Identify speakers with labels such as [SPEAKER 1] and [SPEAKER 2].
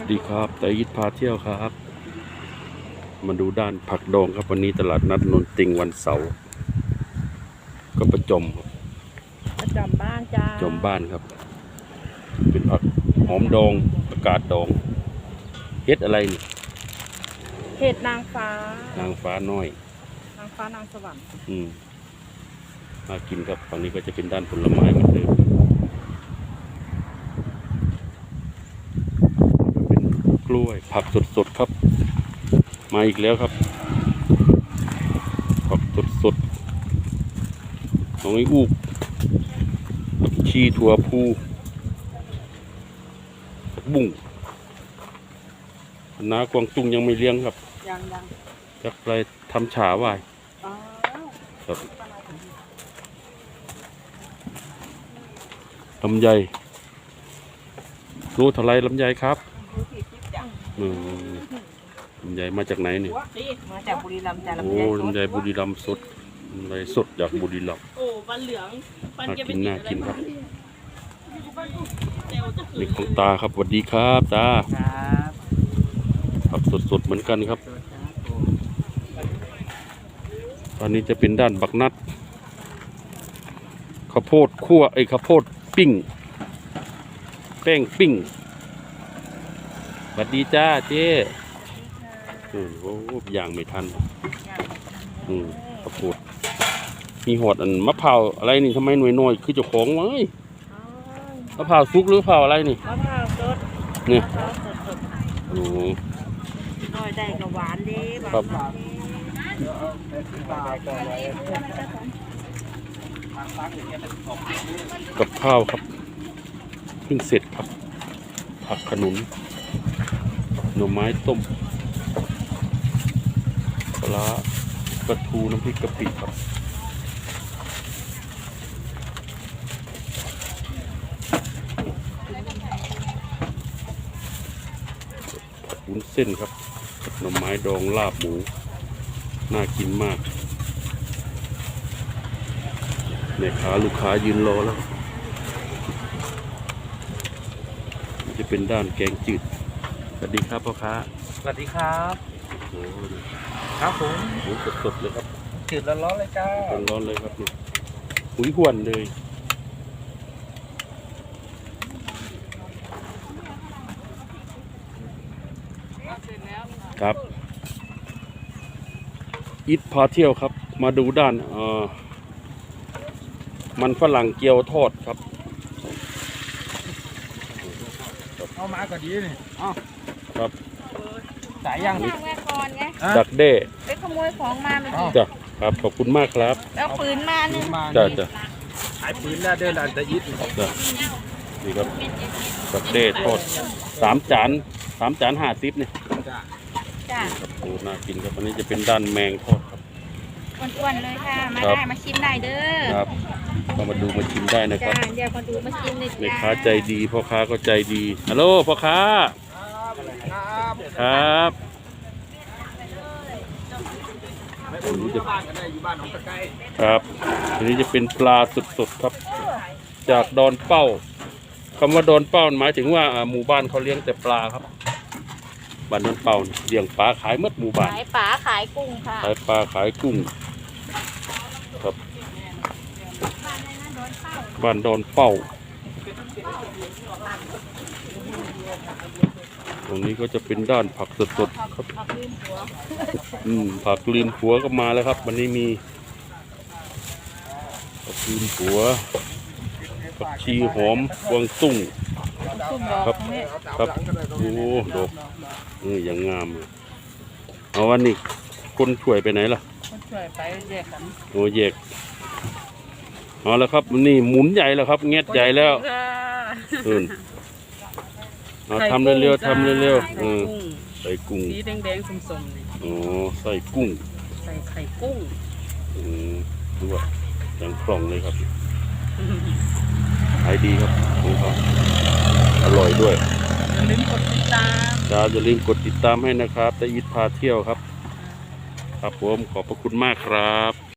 [SPEAKER 1] ดีครับแต่ยิดพาเที่ยวครับมาดูด้านผักดองครับวันนี้ตลาดนัดนนติงวันเสาร์ก็ประจม
[SPEAKER 2] บ้านจ้า
[SPEAKER 1] จมบ้านครับเป็นผักหอมดองประกาศดองเฮ็ดอะไรนี่
[SPEAKER 2] เห็ดนางฟ้า
[SPEAKER 1] น้อย
[SPEAKER 2] นางฟ้านางสวรรค์
[SPEAKER 1] มากินครับฝั่งนี้ก็จะเป็นด้านผลไม้เหมือนเดิมเป็นกล้วยผักสดๆครับมาอีกแล้วครับผักสดๆของไอ้อูกผักชีถั่วพูผักบุ้งน้ากวางตุ้งยังไม่เลี้ยงครับ
[SPEAKER 2] ยัง
[SPEAKER 1] จักไรทำฉาไว้ครับลำไยรู้เท่าไรลำไยครับลำไยมาจากไหนเนี่ย
[SPEAKER 2] มาจากบุรีรัมย์จ้า
[SPEAKER 1] โอ้ลำไยบุรีรัมย์สดลำไยสดจากบุรีรัมย์
[SPEAKER 2] โอ้ปันเหลือง
[SPEAKER 1] น่ากินครับนี่ของตาครับสวัสดีครับตาผักสดๆเหมือนกันครับตอนนี้จะเป็นด้านบักนัดข้าวโพดคั่วข้าวโพดปิ้งแป้งปิ้งสวัสดีจ้าเจ๊โอ้อย่างไม่ทันข้าวโพดมีหอดอันมะพร้าวอะไรนี่ทำไมหน่วยคือเจ้าของวะมะพร้าวซุกหรือมะพร้าวอะไรนี่
[SPEAKER 2] มะพร้าวสด
[SPEAKER 1] เนี่ยโอ้
[SPEAKER 2] น้อยได้กับหวานดี
[SPEAKER 1] ครับกับข้าวครับเพิ่งเสร็จครับผักขนุนหน่อไม้ต้มปลาปลาทูน้ำพริกกะปิครับวุ้นเส้นครับหน่อไม้ดองลาบหมูน่ากินมากแม่ค้าลูกค้ายืนรอแล้วจะเป็นด้านแกงจืดสวัสดีครับพ่อค้า
[SPEAKER 3] สวัสดีครับ
[SPEAKER 1] โอ้
[SPEAKER 3] ครับผม
[SPEAKER 1] หมูสดๆเลยครับ
[SPEAKER 3] จืดร้อนๆเลยจ้า
[SPEAKER 1] ร้อนเลยครับนี่หุยหวนเลยครับอิทพาเที่ยวครับมาดูด้านมันฝรั่งเกี๊ยวทอดครับ
[SPEAKER 3] เอามาก็ดีนี่
[SPEAKER 1] ครับ
[SPEAKER 3] สายยัง
[SPEAKER 1] ดักเด้
[SPEAKER 2] ไปขโมยของมาเมื่อกี้
[SPEAKER 1] จ้ะครับขอบคุณมากครับ
[SPEAKER 2] แล้วปืนมาหนึ่ง
[SPEAKER 1] จ้ะ
[SPEAKER 3] ขายปืนแล้วเดินหลังตะยิด
[SPEAKER 1] จ้ะนี่ครับดักเด้ทอด3 จาน50เนี่ย
[SPEAKER 2] จ้ะ
[SPEAKER 1] ครับโอ้น่ากินครับอันนี้จะเป็นด้านแมงทอดครับ
[SPEAKER 2] อ้วนๆเลยค่ะมาได้มาชิมได้เด้อ
[SPEAKER 1] ครับก็มาดูมาชิมได้นะครับ
[SPEAKER 2] เดี๋ยวมาดูมาชิมเลย
[SPEAKER 1] แม่ค้าใจดีพ่อค้าก็ใจดีฮัลโหลพ่อค้าครับอันนี้จะครับอันนี้จะเป็นปลาสดๆครับจากดอนเป้าคำว่าดอนเป้าหมายถึงว่าหมู่บ้านเขาเลี้ยงแต่ปลาครับบ้านดอนเป้าเลี้ยงปลาขายหมดหมู่บ้าน
[SPEAKER 2] ขายปลาขายกุ้งค่ะ
[SPEAKER 1] ขายปลาขายกุ้งครับบ้านดอนเป้าตรงนี้ก็จะเป็นด้านผักสดๆครับผักลืมหัวก็มาแล้วครับวันนี้มีผักลืมหัวผักชีหอมกวางตุ้งครับโอ้ดอกอย่างงามเอาวันนี้คนช่วยไปไหนล่ะ
[SPEAKER 2] คนช่วยไปแยกกัน
[SPEAKER 1] โอ้แยกเอาแล้วครับนี่หมุนใหญ่แล้วครับเงี้ยใหญ่แล้วทำเร็วๆใส่กุ้ง
[SPEAKER 2] สีแดงๆส้มๆนี่
[SPEAKER 1] อ๋อใส่กุ้ง
[SPEAKER 2] ใส่ไข่กุ้ง
[SPEAKER 1] ดูว่าอย่างคล่องเลยครับขายดีครับของเขาอร่อยด้วย
[SPEAKER 2] อย่าลืมกดติดตาม
[SPEAKER 1] ให้นะครับแต่ยิดพาเที่ยวครับครับผมขอบพระคุณมากครับ